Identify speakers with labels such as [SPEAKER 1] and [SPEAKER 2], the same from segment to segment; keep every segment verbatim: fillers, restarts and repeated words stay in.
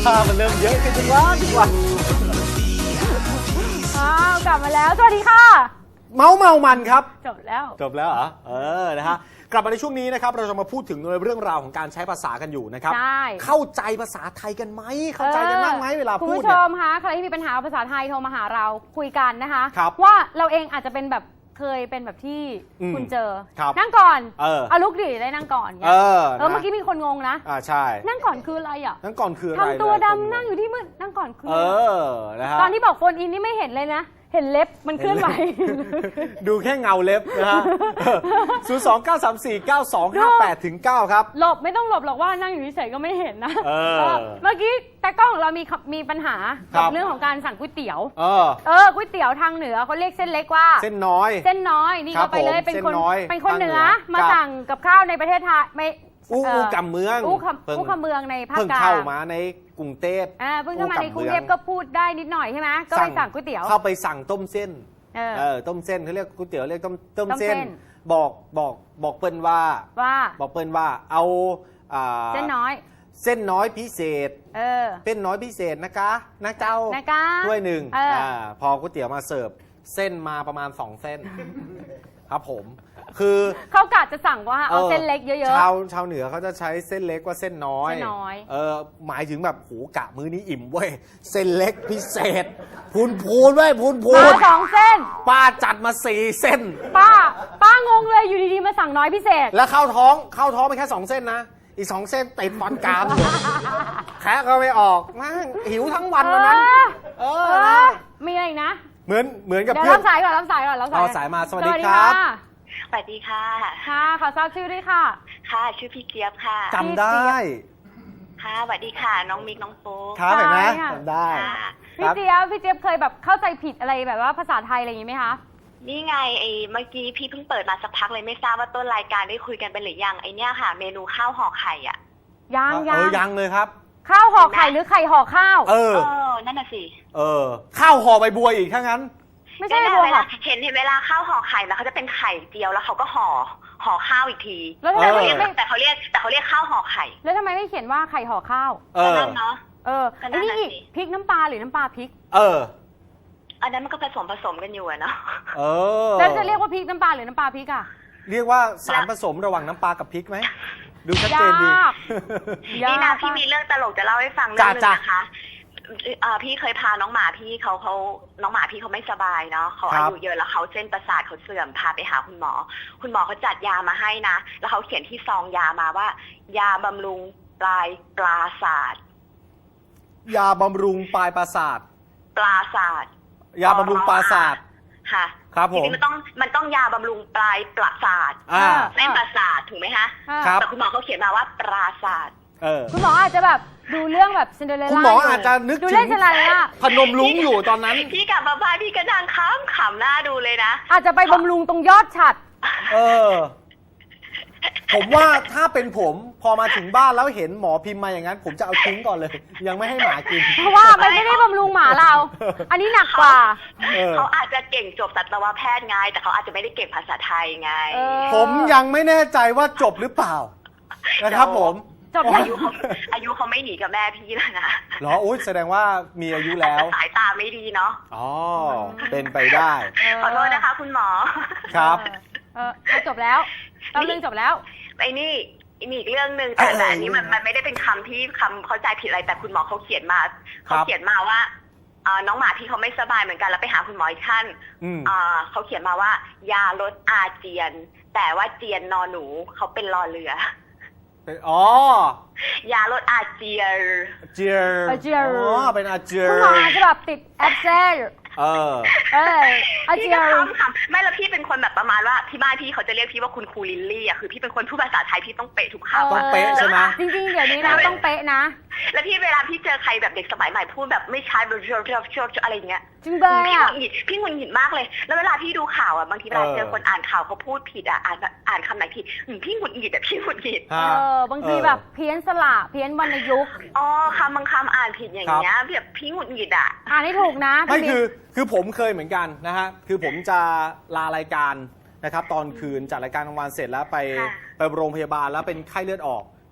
[SPEAKER 1] ภาพมันเริ่มเยอะขึ้นทุกวันทุกวัน
[SPEAKER 2] อ้าวกลับมาแล้วสวัสดีค่ะ
[SPEAKER 1] เมาเมามันครับ
[SPEAKER 2] จบแล้ว
[SPEAKER 1] จบแล้วเหรอเออนะฮะกลับมาในช่วงนี้นะครับเราจะมาพูดถึงเรื่องราวของการใช้ภาษากันอยู่นะครับ
[SPEAKER 2] ใช่
[SPEAKER 1] เข้าใจภาษาไทยกันไหมเข้าใจกันบ้างไหมเวลา
[SPEAKER 2] คุณ
[SPEAKER 1] พูด
[SPEAKER 2] ผู้ช
[SPEAKER 1] เนี่ย
[SPEAKER 2] มคะใครที่มีปัญหาภาษาไทยโทรมาหาเราคุยกันนะคะ
[SPEAKER 1] ครับ
[SPEAKER 2] ว่าเราเองอาจจะเป็นแบบเคยเป็นแบบที่
[SPEAKER 1] อืม
[SPEAKER 2] คุณเจอ
[SPEAKER 1] ครับ
[SPEAKER 2] นั่งก่อน
[SPEAKER 1] เออ
[SPEAKER 2] เอาลุกดิได้นั่งก่อน
[SPEAKER 1] เออ
[SPEAKER 2] เออ
[SPEAKER 1] นะ
[SPEAKER 2] เมื่อกี้มีคนงงนะ
[SPEAKER 1] อ่าใช่
[SPEAKER 2] นั่งก่อนคืออะไรอ่ะ
[SPEAKER 1] นั่งก่อนคืออะไร
[SPEAKER 2] ทำตัว
[SPEAKER 1] เลย
[SPEAKER 2] ดำนั่งอยู่ที่มืดนั่งก่อนคือ
[SPEAKER 1] เออนะฮะ
[SPEAKER 2] ตอนที่บอกโฟนอินนี่ไม่เห็นเลยนะเห็นเล็บมันเคลื่อนไหว
[SPEAKER 1] ดูแค่เงาเล็บนะฮะ ศูนย์ สอง เก้า สาม สี่ เก้า สอง ห้า แปด ถึง เก้า ครับ
[SPEAKER 2] หลบไม่ต้องหลบหรอกว่านั่งอยู่เฉยๆก็ไม่เห็นนะ
[SPEAKER 1] เออ
[SPEAKER 2] เออเมื่อกี้แต่กล้องของเรามีมีปัญหา
[SPEAKER 1] ครั
[SPEAKER 2] กับบ เรื่องของการสั่งก๋วยเตี๋ยว
[SPEAKER 1] เออ
[SPEAKER 2] เออก๋วยเตี๋ยวทางเหนือเขาเรียกเส้นเล็กว่า
[SPEAKER 1] เส้นน้อย
[SPEAKER 2] เส้นน้อยนี่
[SPEAKER 1] ครั
[SPEAKER 2] ก็
[SPEAKER 1] บ
[SPEAKER 2] ไปเลย
[SPEAKER 1] ผม
[SPEAKER 2] เป็นคน
[SPEAKER 1] เส้นน้อย
[SPEAKER 2] เป็นคน
[SPEAKER 1] ทาง
[SPEAKER 2] เหนือ
[SPEAKER 1] เหนือ
[SPEAKER 2] มา
[SPEAKER 1] ครับ
[SPEAKER 2] สั่งกับข้าวในประเทศไทยไม่
[SPEAKER 1] อู้
[SPEAKER 2] เ
[SPEAKER 1] อู้กำเมือง
[SPEAKER 2] อู้คำ
[SPEAKER 1] เพิ่ง
[SPEAKER 2] อู้คำเมืองในภาค
[SPEAKER 1] เพิ่ง
[SPEAKER 2] กลาง
[SPEAKER 1] เข้ามาในกรุงเทพ
[SPEAKER 2] อ่าเพิ่งเข้ามาในกรุงเทพ
[SPEAKER 1] อู้กำเมือง
[SPEAKER 2] ก็พูดได้นิดหน่อยใช่ไหมก็ไปสั่งก๋วยเตี๋ยว
[SPEAKER 1] เข้าไปสั่งต้มเส้น
[SPEAKER 2] เออ
[SPEAKER 1] เออต้มเส้นเขาเรียกก๋วยเตี๋ยวเรียกต้มต้ม
[SPEAKER 2] ต้มเส้
[SPEAKER 1] เส้
[SPEAKER 2] น
[SPEAKER 1] น บอกบอกบอกเปิ้ลว่า
[SPEAKER 2] ว่า
[SPEAKER 1] บอกเปิ้ลว่าเอาอ่า
[SPEAKER 2] เส้นน้อย
[SPEAKER 1] เส้นน้อยพิเศษ
[SPEAKER 2] เออ
[SPEAKER 1] เป็นน้อยพิเศษนะคะนะเจ้า
[SPEAKER 2] นะคะ
[SPEAKER 1] ถ้วยหนึ่ง
[SPEAKER 2] เอออ่
[SPEAKER 1] าพอก๋วยเตี๋ยวมาเสิร์ฟเส้นมาประมาณสองเส้น ครับผม คือ
[SPEAKER 2] เขากะจะสั่งว่าเอาเส้นเล็กเยอะ
[SPEAKER 1] ชาวชาวเหนือเขาจะใช้เส้นเล็กว่าเส้นน้อย
[SPEAKER 2] เส้นน้อย
[SPEAKER 1] เออหมายถึงแบบโหกะมื้อนี้อิ่มเว้ยเส้นเล็กพิเศษ พูนพูนเว้ยพูนพู
[SPEAKER 2] ๆมาน สองเส้น
[SPEAKER 1] ป้าจัดมาสี่เส้น
[SPEAKER 2] ป้า ป้างงเลยอยู่ดีๆมาสั่งน้อยพิเศษ
[SPEAKER 1] แล้วเข้าท้องเข้าท้องไปแค่สองเส้นนะ อีกสองเส้นติดฟันกรามอยู่แคะก็ไม่ออกนั่งหิวทั้งวันวันนั้น เอ
[SPEAKER 2] เอ
[SPEAKER 1] อนะ
[SPEAKER 2] อมีอะไรอีกนะ
[SPEAKER 1] เหมือนเหมือนกับ
[SPEAKER 2] เดี๋ยว
[SPEAKER 1] เพื่อ
[SPEAKER 2] รั
[SPEAKER 1] น
[SPEAKER 2] บสายก่อนรับสายก่อนรับสาย
[SPEAKER 1] เอาสายมาสวัสดีครับ
[SPEAKER 3] สวัสดีค่ะ
[SPEAKER 2] ค่ะขอทราบชื่อด้วยค่ะ
[SPEAKER 3] ค่ะ ชื่อพี่เจี๊ยบค่ะ
[SPEAKER 1] จำได้
[SPEAKER 3] ค่ะสวัสดีค่ะ น้องมิกน้องโป๊ก
[SPEAKER 1] ครับเห็นไหม
[SPEAKER 2] ใช่ค่ะ
[SPEAKER 1] จำได้
[SPEAKER 3] ค่ะ
[SPEAKER 2] พี่เจี๊ยบพี่เจี๊ยบเคยแบบเข้าใจผิดอะไรแบบว่าภาษาไทยอะไรอย่างงี้ไหมคะ
[SPEAKER 3] นี่ไงไอ้เมื่อกี้พี่เพิ่งเปิดมาสักพักเลยไม่ทราบว่าต้นรายการได้คุยกันไปหรือยังไอ้เนี่ยค่ะ เมนูข้าวห่อไข่อ่ะ
[SPEAKER 2] ยัง
[SPEAKER 1] เอ
[SPEAKER 2] ยั
[SPEAKER 1] อง ยังเลยครับ
[SPEAKER 2] ข้าวห่อไข่หรือไข่ห่อข้าว
[SPEAKER 1] เออ
[SPEAKER 3] เออ นั่นน่ะสิ
[SPEAKER 1] เออ ข้าวห่อใบบัวอีกถ้างั้น
[SPEAKER 2] ไม่ใช่
[SPEAKER 3] นั่น
[SPEAKER 2] บัว
[SPEAKER 3] เว
[SPEAKER 2] ห่
[SPEAKER 3] ลา
[SPEAKER 2] อ
[SPEAKER 3] เห็นเห็นเวลาข้าวห่อไข่แล้วเขาจะเป็นไข่เจียวแล้วเขาก็ห่อห่อข้าวอีกที
[SPEAKER 2] แล้วทำ
[SPEAKER 3] แต่
[SPEAKER 2] ไม
[SPEAKER 3] เขาเรียก
[SPEAKER 2] ไม่
[SPEAKER 3] แต่เขาเรียกแต่เขาเรียกข้าวห่อไข่
[SPEAKER 2] แล้วทำไมไม่เขียนว่าไข่ห่อข้าว
[SPEAKER 1] เอ
[SPEAKER 3] ก็
[SPEAKER 1] อ
[SPEAKER 3] นั่นเนาะ
[SPEAKER 2] เออ
[SPEAKER 3] ก็นั่
[SPEAKER 2] ไอ้
[SPEAKER 3] น
[SPEAKER 2] นี่
[SPEAKER 3] น่ะ
[SPEAKER 2] อีก
[SPEAKER 3] สิ
[SPEAKER 2] พริกน้ำปลาหรือน้ำปลาพริก
[SPEAKER 1] เออ
[SPEAKER 3] อันนั้นมันก็ผสมผสมกันอยู่อะเนาะ
[SPEAKER 1] เออ
[SPEAKER 2] แล้วจะเรียกว่าพริกน้ำปลาหรือน้ำปลาพริกอ่ะ
[SPEAKER 1] เรียกว่าสารผสมระหว่างน้ำปลากับพริกไหม ดูชัดเจนดี
[SPEAKER 2] ยาก
[SPEAKER 3] นี่นะ
[SPEAKER 2] ยาก
[SPEAKER 3] พี่
[SPEAKER 2] มาก
[SPEAKER 3] มีเรื่องตลกจะเล่าให้ฟังเรื่องหนึง
[SPEAKER 1] จ้ะ
[SPEAKER 3] นะคะเอ่อพี่เคยพาน้องหมาพี่เขาเขาน้องหมาพี่เขาไม่สบายเนาะเขา
[SPEAKER 1] ครั
[SPEAKER 3] อา
[SPEAKER 1] บ
[SPEAKER 3] ยุเยอะแล้วเขาเส้นประสาทเขาเสื่อมพาไปหาคุณหมอ คุณหมอเขาจัดยามาให้นะแล้วเขาเขียนที่ซองยามาว่า ยาบำรุงปลายปลาศาสตร์
[SPEAKER 1] ยาบำรุงปลายประสาท
[SPEAKER 3] ปลาศาสตร์
[SPEAKER 1] ยาบำรุงปลายประสาท
[SPEAKER 3] ค่ะ
[SPEAKER 1] ครับผม
[SPEAKER 3] จริงๆมันต้องมันต้องยาบำรุงปลายประสาท
[SPEAKER 1] อ่า
[SPEAKER 3] เส้นประสาทถูกไหมคะ
[SPEAKER 2] อ่า
[SPEAKER 1] ครับ
[SPEAKER 3] แต่คุณหมอเขาเขียนมาว่าปราศาสตร์
[SPEAKER 1] เออ
[SPEAKER 2] คุณหมออาจจะแบบดูเรื่องแบบซินเดอเรลล่า
[SPEAKER 1] คุณหมออาจจะนึก
[SPEAKER 2] ดู
[SPEAKER 1] ถึ
[SPEAKER 2] เรื่อง
[SPEAKER 1] ง
[SPEAKER 2] ซินเดอเรลล่า
[SPEAKER 1] พนมรุ้งอยู่ตอนนั้น
[SPEAKER 3] พี่กลับมาบ้านพี่ก็นั่งค้ำขำหน้าดูเลยนะ
[SPEAKER 2] อาจจะไปบำรุงตรงยอดฉัด
[SPEAKER 1] เออ ผมว่าถ้าเป็นผมพอมาถึงบ้านแล้วเห็นหมอพิมพ์มาอย่างนั้น ผมจะเอาทิ้งก่อนเลย ยังไม่ให้หมากิน
[SPEAKER 2] เพราะว่ามันไม่ได้บำรุงหมาเรา อันนี้หนักกว่า
[SPEAKER 1] เออ
[SPEAKER 3] เขาอาจจะเก่งจบสัตวแพทย์ไง แต่เขาอาจจะไม่ได้เก่งภาษาไทยไง
[SPEAKER 2] เออ
[SPEAKER 1] ผมยังไม่แน่ใจว่าจบหรือเปล่า นะครับผม
[SPEAKER 2] จบยัง
[SPEAKER 3] อายุเขาอายุเขาไม่หนีกับแม่พี่แล้วนะ
[SPEAKER 1] เหรออุ้ยแสดงว่ามีอายุแล้ว
[SPEAKER 3] สายตาไม่ดีเนาะ
[SPEAKER 1] อ๋อ เป็นไปได้
[SPEAKER 3] ขอโทษนะคะ คุณหมอ
[SPEAKER 1] ครับ
[SPEAKER 2] เออเออจบแล้วตอนเรื่องจบแล้ว
[SPEAKER 3] ไอ้นี่มีอีกเรื่องหนึ่งแต่
[SPEAKER 1] เออ
[SPEAKER 3] แต่อันนี้มันมันไม่ได้เป็นคำที่คำเข้าใจผิดอะไรแต่คุณหมอเขาเขียนมา
[SPEAKER 1] ครั
[SPEAKER 3] เขา
[SPEAKER 1] บ
[SPEAKER 3] เขียนมาว่าเอ่อน้องหมาพี่เขาไม่สบายเหมือนกันแล้วไปหาคุณหมออีกท่าน
[SPEAKER 1] อืม
[SPEAKER 3] เอ่อเขาเขียนมาว่า ยาลดอาเจียน แต่ว่าเจียนนอหนูเขาเป็นรอเรือ
[SPEAKER 1] อ๋อ
[SPEAKER 3] ยาลดอาเจียน
[SPEAKER 1] เจียร์
[SPEAKER 2] อาเจียร์
[SPEAKER 1] อ๋อ เป็นอาเจีย
[SPEAKER 2] คุณ
[SPEAKER 1] ร์
[SPEAKER 2] หมออาจจะแบบติดแอปเซล
[SPEAKER 1] เออ
[SPEAKER 2] เอออา
[SPEAKER 3] พี่
[SPEAKER 2] เจีย
[SPEAKER 3] ก็
[SPEAKER 2] ร์
[SPEAKER 3] คำคำไม่แล้วพี่เป็นคนแบบประมาณว่าที่บ้านพี่เขาจะเรียกพี่ว่าคุณครูลิลลี่อ่ะคือพี่เป็นคนพูดภาษาไทยพี่ต้องเป๊ะทุกคำ
[SPEAKER 1] ต้องเป๊ะใช่ไหม
[SPEAKER 2] จริงๆ เดี๋ยวนี้นะต้องเป๊ะนะ
[SPEAKER 3] แล้วพี่เวลาพี่เจอใครแบบเด็กสมัยใหม่พูดแบบไม่ใช้แบบเชฟอะไรอย่างเงี้ย
[SPEAKER 2] จริงเบย
[SPEAKER 3] พี่ห
[SPEAKER 2] อ่ะ
[SPEAKER 3] งุดหงิดพี่หงุดหงิดมากเลย แล้วเวลาพี่ดูข่าวอ่ะบางทีเวลา
[SPEAKER 1] เออ
[SPEAKER 3] เจอคนอ่านข่าวเขาพูดผิดอ่ะอ่านอ่านคำไหนผิดอืมพี่หงุดหงิดอ่ะพี่หงุดหงิด
[SPEAKER 2] เอ
[SPEAKER 1] ฮะ
[SPEAKER 2] อบางทีแบบเพี้ยนสระเพี้ยนวรรณยุกต์
[SPEAKER 3] อ๋อคำบางคำอ่านผิดอย่างเงี้ยแบบพี่หงุดหงิดอ่ะ
[SPEAKER 2] อ่านให้ถูกนะ
[SPEAKER 1] ไม่
[SPEAKER 2] พี่
[SPEAKER 1] คือคือผมเคยเหมือนกันนะฮะคือผมจะลารายการนะครับตอนคืนจัดรายการกลางวันเสร็จแล้วไป
[SPEAKER 3] ค่ะ
[SPEAKER 1] ไปโรงพยาบาลแล้วเป็นไข้เลือดออก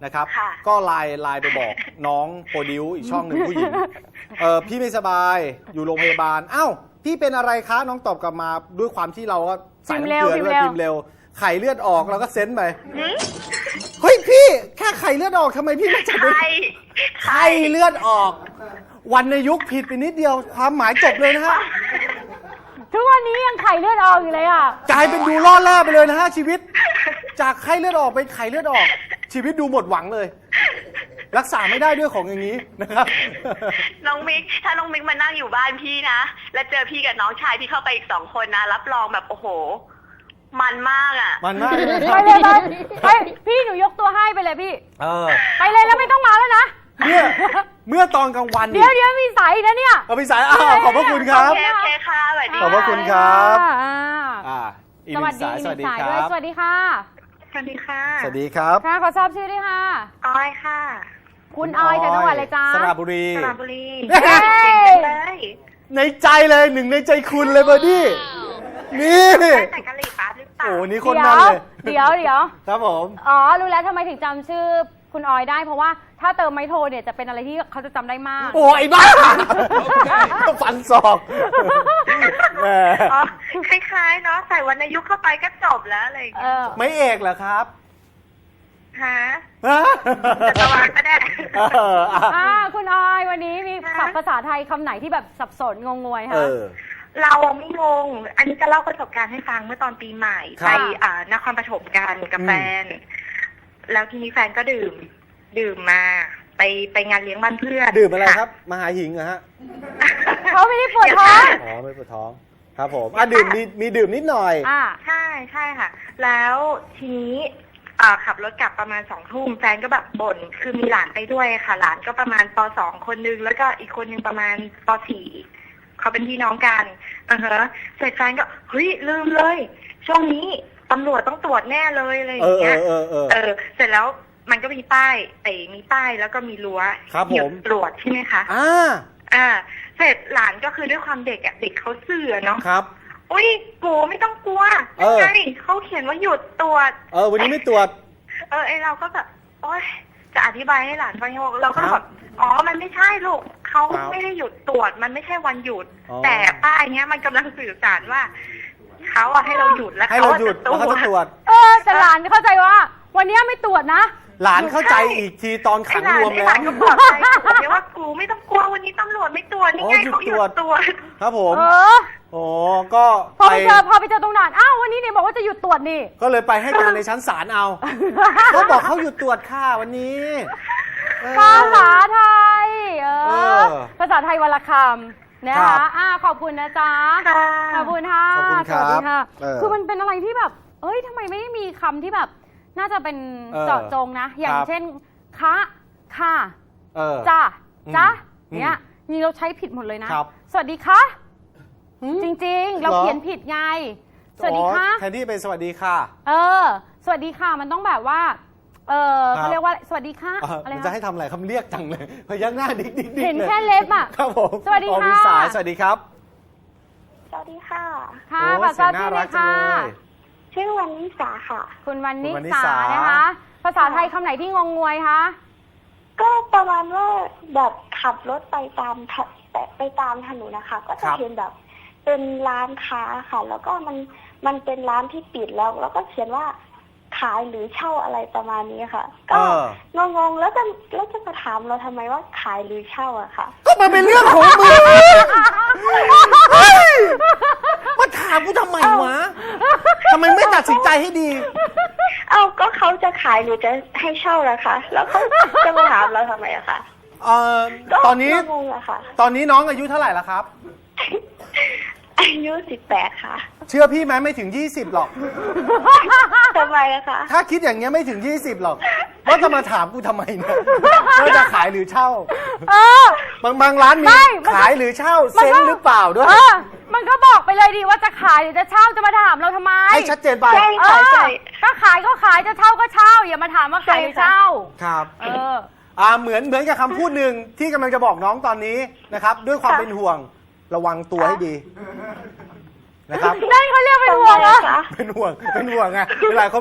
[SPEAKER 1] นะครับ
[SPEAKER 3] ค่ะ
[SPEAKER 1] ก็ไลน์ไลน์ไปบอกน้องโปรดิวอีกช่องหนึ่งผู้หญิงเออพี่ไม่สบายอยู่โรงพยาบาลอ้าวพี่เป็นอะไรคะน้องตอบกลับมาด้วยความที่เราก็ใส่น้ำเกลือด้วยพิมพ์เร็วไข่เลือดออกเราก็เซ็นไปเฮ้ยพี่แค่ไข่เลือดออกทำไมพี่ไม่จับ
[SPEAKER 3] ใคร
[SPEAKER 1] ไข่เลือดออกวรรณยุกต์ผิดไปนิดเดียวความหมายจบเลยนะฮะ
[SPEAKER 2] ทุกวันนี้ยังไข่เลือดออกอยู่เลยอ่ะ
[SPEAKER 1] กลายเป็นดูล่อแร่ไปเลยนะฮะชีวิต จากไข้เลือดออกเป็นไข้เลือดออก ชีวิตดูหมดหวังเลย รักษาไม่ได้ด้วยของอย่างนี้นะครับ
[SPEAKER 3] น้องมิกถ้าน้องมิกมานั่งอยู่บ้านพี่นะแล้วเจอพี่กับน้องชายพี่เข้าไปอีกสองคนนะรับรองแบบโอ้โห มันมากอ่ะ
[SPEAKER 1] มันมากเลย
[SPEAKER 2] ไปเลยไปไปพี่หนูยกตัวให้ไปเลยพี่
[SPEAKER 1] เออ
[SPEAKER 2] ไปเลยแล้วไม่ต้องมาแล้วนะ
[SPEAKER 1] เมื่อเมื่อตอนกลางวัน
[SPEAKER 2] เดี๋ยวเดี๋ยวมีสายนะเนี่ย
[SPEAKER 1] เอาไปสายอ้าวขอบพระคุณครับ
[SPEAKER 3] โอเคโอเคค่ะสวัสดี
[SPEAKER 1] ขอบพระคุณครับ
[SPEAKER 2] อ่า
[SPEAKER 1] อ่าอีก
[SPEAKER 2] ส
[SPEAKER 1] ห
[SPEAKER 2] วั
[SPEAKER 1] นึ่
[SPEAKER 2] ส
[SPEAKER 1] ง
[SPEAKER 2] ดี
[SPEAKER 1] สาย
[SPEAKER 2] อีก
[SPEAKER 1] ส
[SPEAKER 2] ห
[SPEAKER 1] วั
[SPEAKER 2] นึ่
[SPEAKER 1] ส
[SPEAKER 2] ง
[SPEAKER 1] ดี
[SPEAKER 2] สาย
[SPEAKER 1] ค
[SPEAKER 2] ด้วย
[SPEAKER 1] รับ
[SPEAKER 2] สวัสดีค่ะ
[SPEAKER 3] สวัสดีค่ะ
[SPEAKER 1] สวัสดีครับ
[SPEAKER 2] ค่ะขอทราบชื่อด้วยค่ะ
[SPEAKER 3] ออยค่ะ
[SPEAKER 2] คุณออยจากจังหวัดอะไรจ๊ะ
[SPEAKER 1] สระบุรี
[SPEAKER 3] สระบุรี
[SPEAKER 2] เฮ้ย
[SPEAKER 3] เก่งเลย
[SPEAKER 1] ในใจเลยหนึ่งในใจคุณเลยเบอร์ดี้นี่
[SPEAKER 3] ได้แต่กะหรี่ปั๊บหรือเปล่า
[SPEAKER 1] โอ้นี่คน
[SPEAKER 2] เดี๋
[SPEAKER 1] นั้
[SPEAKER 2] ย
[SPEAKER 1] น
[SPEAKER 2] ว
[SPEAKER 1] เลย
[SPEAKER 2] เดี๋ยวเดี๋ยว
[SPEAKER 1] ครับผม
[SPEAKER 2] อ๋อรู้แล้วทำไมถึงจำชื่อคุณออยได้ เพราะว่าถ้าเติมไมโทรเนี่ยจะเป็นอะไรที่เขาจะจำได้มาก
[SPEAKER 1] โอ้ยบ้าฟันศอกแหม
[SPEAKER 3] อ๋อคล้ายๆเนาะใส่วรรณยุกต์เข้าไปก็จบแล้วอะไรอย่าง
[SPEAKER 2] เอ
[SPEAKER 3] เงี้ย
[SPEAKER 2] อ
[SPEAKER 1] ไม่เอกเหรอครับ
[SPEAKER 3] ฮะ
[SPEAKER 1] ฮะ
[SPEAKER 3] จักรวาลก็ได้
[SPEAKER 1] เอออ่ะ
[SPEAKER 2] อ่าคุณออยวันนี้มี
[SPEAKER 3] ค่ะ
[SPEAKER 2] ศัพท์ภาษาไทยคำไหนที่แบบสับสนงงงวย
[SPEAKER 1] เอ
[SPEAKER 2] คะ
[SPEAKER 1] อ
[SPEAKER 3] เราไม่งง อันนี้จะเล่าประสบการณ์ให้ฟังเมื่อตอนปีใหม่
[SPEAKER 1] ครับ
[SPEAKER 3] ไปอ่านครปฐมกันกับ
[SPEAKER 1] อืม
[SPEAKER 3] แฟน แล้วทีนี้แฟนก็ดื่ม ดื่มมา ไปไปงานเลี้ยงบ้านเพื่อน
[SPEAKER 1] ดื่มอะไรครับมหาหิงเหรอฮะ
[SPEAKER 2] เขาไม่ได้ปวดท้อง
[SPEAKER 1] อ๋อไม่ปวดท้อง ครับผมอ่ะดื่มมีมีดื่มนิดหน่อย
[SPEAKER 2] อ่า
[SPEAKER 3] ใช่ใช่ค่ะ แล้วทีนี้อ่าขับรถกลับประมาณสองทุ่มแฟนก็แบบบ่นคือมีหลานไปด้วยค่ะ หลานก็ประมาณปสองคนนึงแล้วก็อีกคนนึงประมาณปสี่เขาเป็นพี่น้องกันอือฮะเสร็จแฟนก็เฮ้ยลืมเลย ช่วงนี้ตำรวจต้องตรวจแน่เลยอะไรอ
[SPEAKER 1] เอย่าง อเอ
[SPEAKER 3] เงี้ย
[SPEAKER 1] อเออเออ
[SPEAKER 3] เออ เสร็จแล้วมันก็มีป้ายไอ้มีป้ายแล้วก็มีรั้ว
[SPEAKER 1] ครับ
[SPEAKER 3] หยุ
[SPEAKER 1] ผ
[SPEAKER 3] ด
[SPEAKER 1] ม
[SPEAKER 3] ตรวจใช่ไหมคะ
[SPEAKER 1] อ่า
[SPEAKER 3] อ่า เสร็จหลานก็คือด้วยความเด็กอ่ะเด็กเขาเสื่อเนาะ
[SPEAKER 1] ครับ
[SPEAKER 3] อุ้ยกูไม่ต้องกลัว
[SPEAKER 1] เออ
[SPEAKER 3] ไงเขาเขียนว่าหยุดตรวจ
[SPEAKER 1] เออวันนี้ไม่ตรวจ
[SPEAKER 3] เออไอเราก็แบบโอ๊ยจะอธิบายให้หลานฟังยังไงเราก็
[SPEAKER 1] ครั
[SPEAKER 3] แบบ บอ๋อมันไม่ใช่ลูกเขา
[SPEAKER 1] ครับ
[SPEAKER 3] ไม่ได้หยุดตรวจมันไม่ใช่วันหยุด
[SPEAKER 1] อ๋อ
[SPEAKER 3] แต่ป้ายเนี้ยมันกำลังสื่อสารว่าเขาอะให้เราหยุดแล้ว
[SPEAKER 1] ให้
[SPEAKER 3] เขา
[SPEAKER 1] เรา
[SPEAKER 3] อะ
[SPEAKER 1] หยุด
[SPEAKER 3] จะตร
[SPEAKER 1] แล้ว
[SPEAKER 3] ว
[SPEAKER 1] เขาจะตรว
[SPEAKER 3] จ
[SPEAKER 1] จ
[SPEAKER 2] เออแต่หลานเข้าใจว่า วันนี้ไม่ตรวจนะ
[SPEAKER 1] หลานเข้าใจอีกทีตอน
[SPEAKER 3] ไอ
[SPEAKER 1] ขัง
[SPEAKER 3] หลาน
[SPEAKER 1] รวม
[SPEAKER 3] ไอ
[SPEAKER 1] แล้
[SPEAKER 3] ห
[SPEAKER 1] ว
[SPEAKER 3] ลานก็บอกใจผมเนี่ยว่ากูไม่ต้องกลัววันนี้ตำรวจไม่ตรวจนี่ไง
[SPEAKER 1] อ๋อหยุด
[SPEAKER 3] เขาหยุ
[SPEAKER 1] ตรว
[SPEAKER 3] ด
[SPEAKER 1] จ
[SPEAKER 3] ตรวจ
[SPEAKER 1] ครับผม
[SPEAKER 2] เออ
[SPEAKER 1] โอ้ก็
[SPEAKER 2] พอไปเจอพอไปเจอตรงด่านอ้าววันนี้เนี่ยบอกว่าจะหยุดตรวจนี่
[SPEAKER 1] ก็เลยไปให้การในชั้นศาลเอาเขาบอกเขาหยุดตรวจค่ะวันนี้เออ
[SPEAKER 2] ภาษาไทย เอ
[SPEAKER 1] เอ
[SPEAKER 2] อ
[SPEAKER 1] อ
[SPEAKER 2] ภาษาไทยวันละคำนะ
[SPEAKER 1] ครั
[SPEAKER 2] คะ
[SPEAKER 1] บ
[SPEAKER 2] อ่าขอบคุณนะจ๊ะ
[SPEAKER 3] ค่ะ
[SPEAKER 2] ขอบคุณค่ะ
[SPEAKER 1] ขอบคุณครับ
[SPEAKER 2] สวัสดีค่ะ
[SPEAKER 1] เออ
[SPEAKER 2] คือมันเป็นอะไรที่แบบ เอ้ยทำไมไม่มีคำที่แบบ น่าจะเป็น
[SPEAKER 1] เออ
[SPEAKER 2] เจาะจงนะ อย่าง
[SPEAKER 1] ครับ
[SPEAKER 2] เช่น คะค่ะ
[SPEAKER 1] เออ
[SPEAKER 2] จ้า
[SPEAKER 1] อืม
[SPEAKER 2] จ้า
[SPEAKER 1] อืม
[SPEAKER 2] เนี่ยนี่เราใช้ผิดหมดเลยนะ
[SPEAKER 1] ครับ
[SPEAKER 2] สวัสดีค่ะ จริงๆ เรา
[SPEAKER 1] เหรอ
[SPEAKER 2] เขียนผิดไง สวัสดีค่ะ
[SPEAKER 1] อ๋อแทนที่เป็นสวัสดีค่ะ
[SPEAKER 2] เออ สวัสดีค่ะ มันต้องแบบว่า เออ
[SPEAKER 1] ครับ
[SPEAKER 2] เขาเรียกว่า สวัสดีค่ะ
[SPEAKER 1] เออ
[SPEAKER 2] อะไร
[SPEAKER 1] มันจะ
[SPEAKER 2] คะ
[SPEAKER 1] ให้ทำอะไรคำเรียกจังเลยพยักหน้าดิ๊กดิ๊กดิ๊ก
[SPEAKER 2] เห็น
[SPEAKER 1] ลย
[SPEAKER 2] แค่เล็บอะ
[SPEAKER 1] ครับผม
[SPEAKER 2] สวัสดี
[SPEAKER 1] อ๋อ
[SPEAKER 2] ค่ะ
[SPEAKER 1] มีสายสวัสดีครับ
[SPEAKER 3] สวัสดีค่ะ
[SPEAKER 2] ค่ะ
[SPEAKER 1] โอ้
[SPEAKER 2] ขอท
[SPEAKER 1] เสี
[SPEAKER 2] ราย บ
[SPEAKER 1] งน่า
[SPEAKER 2] ชื่อเล
[SPEAKER 1] รัก
[SPEAKER 2] ย
[SPEAKER 1] จัง
[SPEAKER 2] ค่ะ
[SPEAKER 1] เลย
[SPEAKER 3] ชื่อวันนิสาค่ะ
[SPEAKER 2] คุณวันนิ
[SPEAKER 1] คุณวันนิ
[SPEAKER 2] สา
[SPEAKER 1] สา
[SPEAKER 2] นะคะ ภาษาไทยคำไหนที่งงงวยคะ
[SPEAKER 4] ก็ประมาณว่าแบบขับรถไปตามถไปตามถนนนะคะ ก็
[SPEAKER 1] ครั
[SPEAKER 4] จะ
[SPEAKER 1] บ
[SPEAKER 4] เห็นแบบเป็นร้านค้าค่ะ แล้วก็มันมันเป็นร้านที่ปิดแล้ว แล้วก็เขียนว่าขายหรือเช่าอะไรประมาณนี้ค่ะ ก็
[SPEAKER 1] เออ
[SPEAKER 4] งงๆแล้วจะแล้วจะมาถามเราทำไมว่าขายหรือเช่าอะค่ะ
[SPEAKER 1] ก็มันเป็นเรื่องของมึงเฮ้ยมาถามกูทำไมวะทำไมไม่ตัดสินใจให้ดี
[SPEAKER 4] เอาก็เขาจะขายหรือจะให้เช่าล่ะคะแล้วเขาจะมาถามเราทำไมอะคะ
[SPEAKER 1] เอ่อ
[SPEAKER 4] ก็
[SPEAKER 1] ตอนนี้
[SPEAKER 4] งงๆอะค่ะ
[SPEAKER 1] ตอนนี้น้องอายุเท่าไหร่แล้วครับ
[SPEAKER 4] อายุสิบแปดค่ะ
[SPEAKER 1] เชื่อพี่ไหมไม่ถึงยี่สิบหรอก
[SPEAKER 4] ทำไมอะคะ
[SPEAKER 1] ถ้าคิดอย่างเงี้ยไม่ถึงยี่สิบหรอกว่าจะมาถามกูทำไมเนี่ยว่าจะขายหรือเช่า
[SPEAKER 2] เออ
[SPEAKER 1] บางบางร้านมี
[SPEAKER 2] ไม่มัน
[SPEAKER 1] ขายหรือเช่า
[SPEAKER 2] มันก็
[SPEAKER 1] เซ็นหรือเปล่าด้วย
[SPEAKER 2] เออ มันก็บอกไปเลยดีว่าจะขายหรือจะเช่าจะมาถามเราทำไม
[SPEAKER 1] ให้ชัดเจนไป
[SPEAKER 4] ใช่
[SPEAKER 2] เอ
[SPEAKER 4] ค่ะ
[SPEAKER 2] อ
[SPEAKER 4] ใช่
[SPEAKER 2] ก็ขายก็ขายจะเช่าก็เช่า อย่ามาถามว่าขายหรือเช่า
[SPEAKER 1] ครับ
[SPEAKER 2] เออ
[SPEAKER 1] อ่าเหมือนเหมือนกับคำพูดหนึ่งที่กำลังจะบอกน้องตอนนี้นะครับ ด้วยความ
[SPEAKER 4] ค่ะ
[SPEAKER 1] เป็นห่วงระวังตัวให้ดีนะครับ
[SPEAKER 2] นั่นเขาเรียกเป็นห่วงเหรอ
[SPEAKER 4] ทำไมอะคะ
[SPEAKER 1] เป็นห่วงเป็นห่วงไงเวลาเขาบอก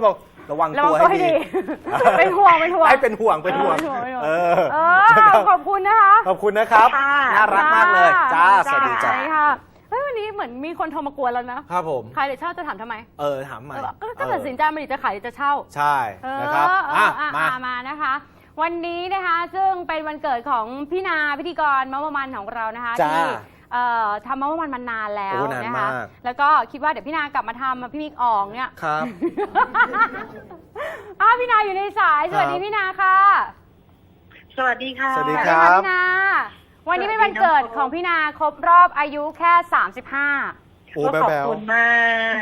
[SPEAKER 1] ระวัง
[SPEAKER 2] ระวั
[SPEAKER 1] ตัว
[SPEAKER 2] งตัว
[SPEAKER 1] ให้
[SPEAKER 2] ให้
[SPEAKER 1] ดี
[SPEAKER 2] ดี เป็นห่วงเป็นห่วง
[SPEAKER 1] ให้เป็นห่วงเป็นห่วง
[SPEAKER 2] เป็นห่วงเป็นห่วง
[SPEAKER 1] เออ
[SPEAKER 2] เออขอบคุณนะคะ
[SPEAKER 1] ขอบคุณนะครับ
[SPEAKER 3] ค่ะ
[SPEAKER 1] น่ารักมากเลยจ้าสวัสดี
[SPEAKER 2] ใช่
[SPEAKER 1] จ้า
[SPEAKER 2] ค่ะเฮ้ยวันนี้เหมือนมีคนโทรมากวนแล้วนะครับ
[SPEAKER 1] ผม
[SPEAKER 2] ใครเดี๋ยวเช่าจะถามทำไม
[SPEAKER 1] เออถามใหม่
[SPEAKER 2] เออก็ก็ตัดสินใจมาดิจะขายหรือจะเช่า
[SPEAKER 1] ใช่
[SPEAKER 2] เออ
[SPEAKER 1] นะครับ
[SPEAKER 2] เออ
[SPEAKER 1] อ่ะ
[SPEAKER 2] อ่ะ
[SPEAKER 1] มา
[SPEAKER 2] มามานะคะ วันนี้นะคะซึ่งเป็นวันเกิดของพี่นาพิธีกรมะมะมันของเรานะคะ
[SPEAKER 1] จ้า
[SPEAKER 2] ที่เอ่อทำมะมะมันมานานแล้ว
[SPEAKER 1] โอ้นาน
[SPEAKER 2] นะคะ
[SPEAKER 1] มาก
[SPEAKER 2] แล้วก็คิดว่าเดี๋ยวพี่นากลับมาทำพี่มิกอ่องเนี่ย
[SPEAKER 1] ครับ
[SPEAKER 2] อ้าวพี่นาอยู่ในสายสวัสดี
[SPEAKER 1] ครับ
[SPEAKER 2] พี่นาค่ะ
[SPEAKER 3] สวัสดีค่ะ
[SPEAKER 1] สวัสดี
[SPEAKER 2] สวัส
[SPEAKER 1] ค
[SPEAKER 2] ดี
[SPEAKER 1] รับ
[SPEAKER 2] ค่ะพี่นา วันนี้เป็นวันเกิดของพี่นาครบรอบอายุแค่สามสิบห้า
[SPEAKER 1] โอ้
[SPEAKER 3] ก็
[SPEAKER 1] แบ๊
[SPEAKER 3] ขอบ
[SPEAKER 1] ว
[SPEAKER 3] คุณมาก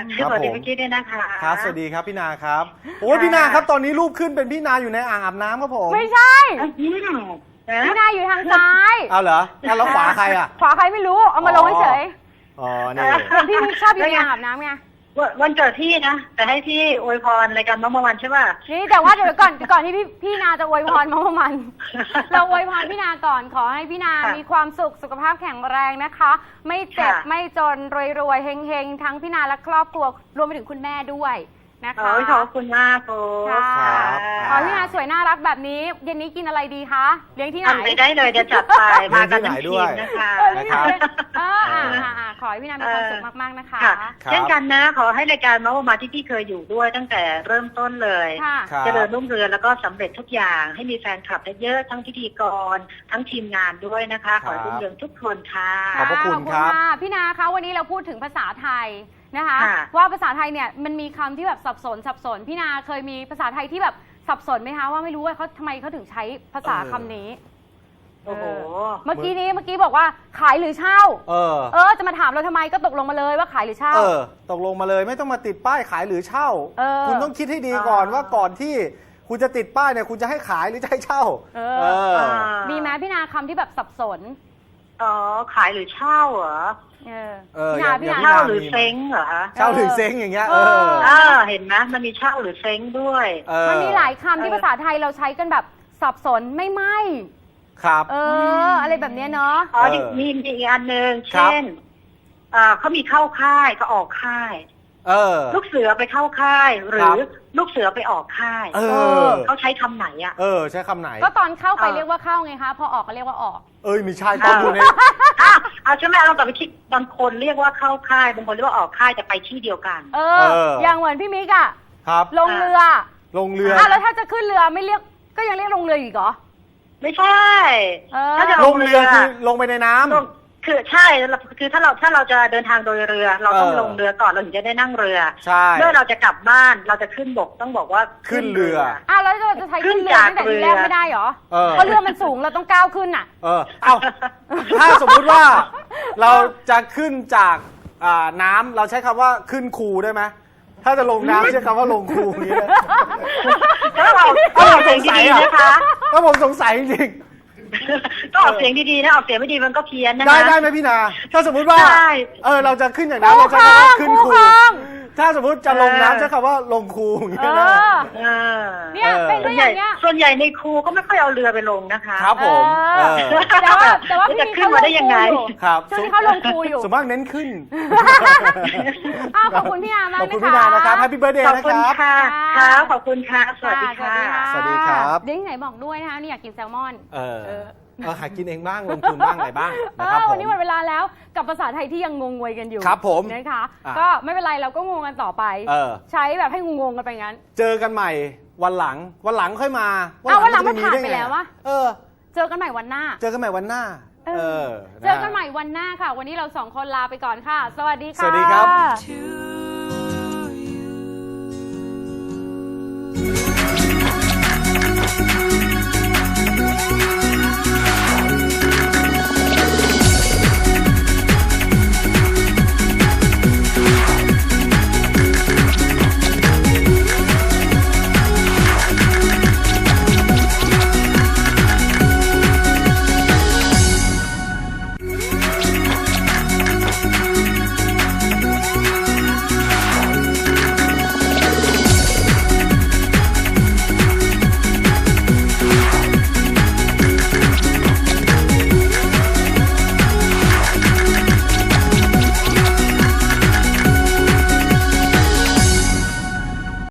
[SPEAKER 1] ครับ
[SPEAKER 3] สวัสดี
[SPEAKER 1] ผม
[SPEAKER 3] เมื่อกี้ด้วยนะคะ
[SPEAKER 1] ๆครับสวัสดีครับพี่นาครับโอ้ยพี่นาครับตอนนี้รูปขึ้นเป็นพี่นาอยู่ในอ่างอาบน้ำครับผม
[SPEAKER 2] ไม่ใช่
[SPEAKER 3] อืมนะ
[SPEAKER 2] พี่นาอยู่ทางซ้าย
[SPEAKER 1] เอาเหรออ่ะแล้วขวาใครอ่ะ
[SPEAKER 2] ขวาใครไม่รู้ เอามาลงเฉย
[SPEAKER 1] อ๋อนี่
[SPEAKER 2] ๆเห็นพี่มิกชอบอยู่ในอ่างอาบน้ำไง
[SPEAKER 3] วันวันเกิดพี่นะ แต่ให้พี่อวยพรรายการมะม่วงวันใช่ป่ะ
[SPEAKER 2] นี่แต่ว่าเดี๋ยวก่อนก่อนที่พี่พี่นาจะอวยพรมาประมาณ เราอวยพรพี่นาก่อนขอให้พี่นา
[SPEAKER 3] ค่ะ
[SPEAKER 2] มีความสุขสุขภาพแข็งแรงนะคะ ไม่เจ็บ
[SPEAKER 3] ค่ะ
[SPEAKER 2] ไม่จนรวยๆเฮงๆทั้งพี่นาและครอบครัวรวมไปถึงคุณแม่ด้วยนะคะ
[SPEAKER 3] โอ้ยขอบคุณมากโค้
[SPEAKER 2] ค่ะ
[SPEAKER 3] ช
[SPEAKER 1] ครับ
[SPEAKER 2] ขอให้พี่นาสวยน่ารักแบบนี้เย็นนี้กินอะไรดีคะเลี้ยงที่ไหน
[SPEAKER 3] ทำไปได้เลยเดี๋ยวจัดไปมากันทั้งทีมนะคะ
[SPEAKER 2] เออพี่นา
[SPEAKER 1] นะครับ
[SPEAKER 2] เอออ่าอ่าอ่าขอให้พี่นามีความสุขมากๆนะคะ
[SPEAKER 3] ค่ะ
[SPEAKER 1] ครับ
[SPEAKER 3] เช่นกันนะ ขอให้รายการมะม่วงมาที่พี่เคยอยู่ด้วยตั้งแต่เริ่มต้นเลย
[SPEAKER 2] ค่ะ
[SPEAKER 1] ครับ
[SPEAKER 3] เจริญรุ่งเรืองแล้วก็สำเร็จทุกอย่าง ให้มีแฟนคลับเยอะๆทั้งพิธีกร ทั้งทีมงานด้วยนะคะ ขอให้รุ่งเรืองทุกคนค่ะ
[SPEAKER 1] ขอบพระคุณครับ
[SPEAKER 2] ขอณะพี่นาคะวันนี้เราพูดถึงภาษาไทยนะคะ
[SPEAKER 3] ค่ะ
[SPEAKER 2] ว่าภาษาไทยเนี่ยมันมีคำที่แบบสับสนสับสนพี่นาเคยมีภาษาไทยที่แบบสับสนไหมคะว่าไม่รู้ว่าเขาทำไมเขาถึงใช้ภาษาคำนี้
[SPEAKER 3] โอ้โห
[SPEAKER 2] เมื่อกี้นี้เมื่อกี้บอกว่าขายหรือเช่า
[SPEAKER 1] เออ
[SPEAKER 2] เออจะมาถามเราทำไมก็ตกลงมาเลยว่าขายหรือเช่า
[SPEAKER 1] เออ ตกลงมาเลยไม่ต้องมาติดป้ายขายหรือเช่า
[SPEAKER 2] เออ
[SPEAKER 1] คุณต้องคิดให้ดีก่อน
[SPEAKER 3] อ่า
[SPEAKER 1] ว่าก่อนที่คุณจะติดป้ายเนี่ยคุณจะให้ขายหรือจะให้เช่า
[SPEAKER 2] เออ
[SPEAKER 3] อ่า
[SPEAKER 2] มีไหมพี่นาคำที่แบบสับสน
[SPEAKER 3] อ๋อ ขายหรือเช่าเหรอ
[SPEAKER 2] เออ
[SPEAKER 1] เออ
[SPEAKER 2] พี่นา
[SPEAKER 1] อย่า
[SPEAKER 2] พี่
[SPEAKER 1] อย่
[SPEAKER 2] นา
[SPEAKER 1] า
[SPEAKER 3] เช่าหรือเซ้งเหรอคะ
[SPEAKER 1] เช่าหรือเซ้งอย่างเงี้ย เออ
[SPEAKER 3] อ่าเห็นไหมมันมีเช่าหรือเซ้งด้วย
[SPEAKER 1] เออ
[SPEAKER 2] มันมีหลายคำที่
[SPEAKER 3] เออ
[SPEAKER 2] ภาษาไทยเราใช้กันแบบสับสนไม่ไม่
[SPEAKER 1] ครับ
[SPEAKER 2] เออ อะไรแบบเนี้ยเนาะ
[SPEAKER 3] อ๋อ
[SPEAKER 1] เออ
[SPEAKER 3] มีมีอีกอันหนึ่ง
[SPEAKER 1] ครับ
[SPEAKER 3] เช่นเอ่อเขามีเข้าค่ายก็ออกค่าย
[SPEAKER 1] เออ
[SPEAKER 3] ลูกเสือไปเข้าค่าย หรื
[SPEAKER 1] ครั
[SPEAKER 3] อบ ลูกเสือไปออกค่าย
[SPEAKER 1] เอ
[SPEAKER 2] เอ
[SPEAKER 1] อ
[SPEAKER 2] อ
[SPEAKER 3] เขาใช้คำไหนอ่ะ
[SPEAKER 1] เออ ใช้คำไหน
[SPEAKER 2] ก็ตอนเข้าไป
[SPEAKER 3] เออ
[SPEAKER 2] เรียกว่าเข้าไงคะ พอออกก็เรียกว่าออก
[SPEAKER 1] เอ้ยมีใช่ตอนอยู่ใน
[SPEAKER 3] อ่ะเอาใช่ไหมเรากลับไปคิดบางคนเรียกว่าเข้าค่ายบางคนเรียกว่าออกค่ายแต่ไปที่เดียวกัน
[SPEAKER 2] เออ
[SPEAKER 1] เออ
[SPEAKER 2] อ
[SPEAKER 1] อ
[SPEAKER 2] ย่างเหมือนพี่มิกอะ
[SPEAKER 1] ครับ
[SPEAKER 2] ลงเรือ
[SPEAKER 1] ลงเรือ
[SPEAKER 2] อ่ะแล้วถ้าจะขึ้นเรือไม่เรียกก็ยังเรียกลงเรืออีกเหรอ
[SPEAKER 3] ไม่ใช่
[SPEAKER 2] เออ
[SPEAKER 3] ถ้าจะ
[SPEAKER 1] ลงเรือคือลงไปในน้ำ
[SPEAKER 3] ลงคือใช่คือถ้าเราถ้าเราจะเดินทางโดยเรือ เราต้อง
[SPEAKER 1] เออ
[SPEAKER 3] ลงเรือก่อนเราถึงจะได้นั่งเรือ
[SPEAKER 1] ใช่
[SPEAKER 3] เมื่อเราจะกลับบ้านเราจะขึ้นบกต้องบอกว่า
[SPEAKER 1] ขึ้นเรือ
[SPEAKER 2] อ่ะแล้วเราจะใช้ขึ้นเรือตั้งแต่ทีแรกไม่ได้เหรอ
[SPEAKER 1] เออ
[SPEAKER 2] เพราะเรือมันสูงเราต้องก้าวขึ้นอ่ะ
[SPEAKER 1] เออ เอาถ้าสมมุติว่าเราจะขึ้นจากอ่าน้ำเราใช้คำว่าขึ้นคูได้ไหม ถ้าจะลงน้ำใช้คำว่าลงคูอย่างนี้เลย
[SPEAKER 3] ถ้าเราออกเสียงดีๆนะคะ
[SPEAKER 1] ถ้าผมสงสัยจริง
[SPEAKER 3] ก็ออกเสียงดีๆนะออกเสียงไม่ดีมันก็เพี้ยนนะ
[SPEAKER 1] ๆได้
[SPEAKER 3] คะ
[SPEAKER 1] ได้ไหมพี่นา ถ้าสมมุติว่า
[SPEAKER 3] ได้
[SPEAKER 1] เออเราจะขึ้นอย่างนั้นเราใช้คำว่าขึ้น
[SPEAKER 2] คู่
[SPEAKER 1] คู
[SPEAKER 2] ครอง
[SPEAKER 1] ถ้าสมมุติจะลง
[SPEAKER 3] เออ
[SPEAKER 1] น้ำใช้คำว่าลงคูอย่าง
[SPEAKER 2] เอ
[SPEAKER 1] นี้ได้
[SPEAKER 2] อ
[SPEAKER 3] เออ
[SPEAKER 2] เนี่ย
[SPEAKER 1] เออ
[SPEAKER 2] เป็น
[SPEAKER 3] ส่
[SPEAKER 2] ก็
[SPEAKER 3] วน
[SPEAKER 2] อ
[SPEAKER 3] ใหญ่
[SPEAKER 2] ย่างเงี้ย
[SPEAKER 3] ส่วนใหญ่ในครูก็ไม่ค่อยเอาเรือไปลงนะคะ
[SPEAKER 1] ครับผม
[SPEAKER 2] เออ
[SPEAKER 1] เออ
[SPEAKER 2] แต่ว่าแต่ว่าพี่
[SPEAKER 3] จะ
[SPEAKER 2] มี
[SPEAKER 3] ขึ้นมาได้ยังไง
[SPEAKER 1] ครับ
[SPEAKER 2] ช่วงนี้เขาลงครูอยู่
[SPEAKER 1] สมมากเน้นขึ้น
[SPEAKER 2] อ้าวขอบคุณพี่นามาก
[SPEAKER 1] ขอบคุณ
[SPEAKER 2] นะ
[SPEAKER 1] พี่
[SPEAKER 2] คะ
[SPEAKER 1] นานะครับแฮปปี้เบิร์ดเดย์
[SPEAKER 3] ขอบ
[SPEAKER 1] นะ
[SPEAKER 3] คุ
[SPEAKER 1] ค
[SPEAKER 3] ณ
[SPEAKER 1] รับ
[SPEAKER 3] ค่ะ
[SPEAKER 2] ค่ะ
[SPEAKER 3] ครับขอบคุณค่ะ สวัสดี
[SPEAKER 2] ค่ะ
[SPEAKER 3] ค่ะ
[SPEAKER 1] สวัสดีครับ
[SPEAKER 2] เด้งไหนบอกด้วยนะคะนี่อยากกินแซลมอน
[SPEAKER 1] เออ
[SPEAKER 2] เออ
[SPEAKER 1] เออหากินเองบ้างลงทุนบ้างอะไรบ้าง
[SPEAKER 2] เอ
[SPEAKER 1] นะครับ
[SPEAKER 2] อ
[SPEAKER 1] ผ
[SPEAKER 2] วัน
[SPEAKER 1] ม
[SPEAKER 2] นี้หมดเวลาแล้วกับภาษาไทยที่ยังงงงวยกันอยู่
[SPEAKER 1] ครับผม
[SPEAKER 2] นะคะ
[SPEAKER 1] อ่ะ
[SPEAKER 2] ก็ไม่เป็นไรเราก็งงกันต่อไป
[SPEAKER 1] เออ
[SPEAKER 2] ใช้แบบให้งงๆกันไปงั้น
[SPEAKER 1] เจอกันใหม่วันหลังวันหลังค่อยมา
[SPEAKER 2] อ้าววันหลัง
[SPEAKER 1] จะ
[SPEAKER 2] มันผ่าน
[SPEAKER 1] ด้
[SPEAKER 2] ไป
[SPEAKER 1] ง
[SPEAKER 2] แล้ววะ
[SPEAKER 1] เออ
[SPEAKER 2] เจอกันใหม่วันหน้า
[SPEAKER 1] เจอกันใหม่วันหน้า
[SPEAKER 2] เอ
[SPEAKER 1] เอ
[SPEAKER 2] อ
[SPEAKER 1] อ
[SPEAKER 2] เจอกันใหม่วันหน้าค่ะ วันนี้เราสองคนลาไปก่อนค่ะ สวัสดีค่ะ
[SPEAKER 1] สวัสดีครับ
[SPEAKER 5] to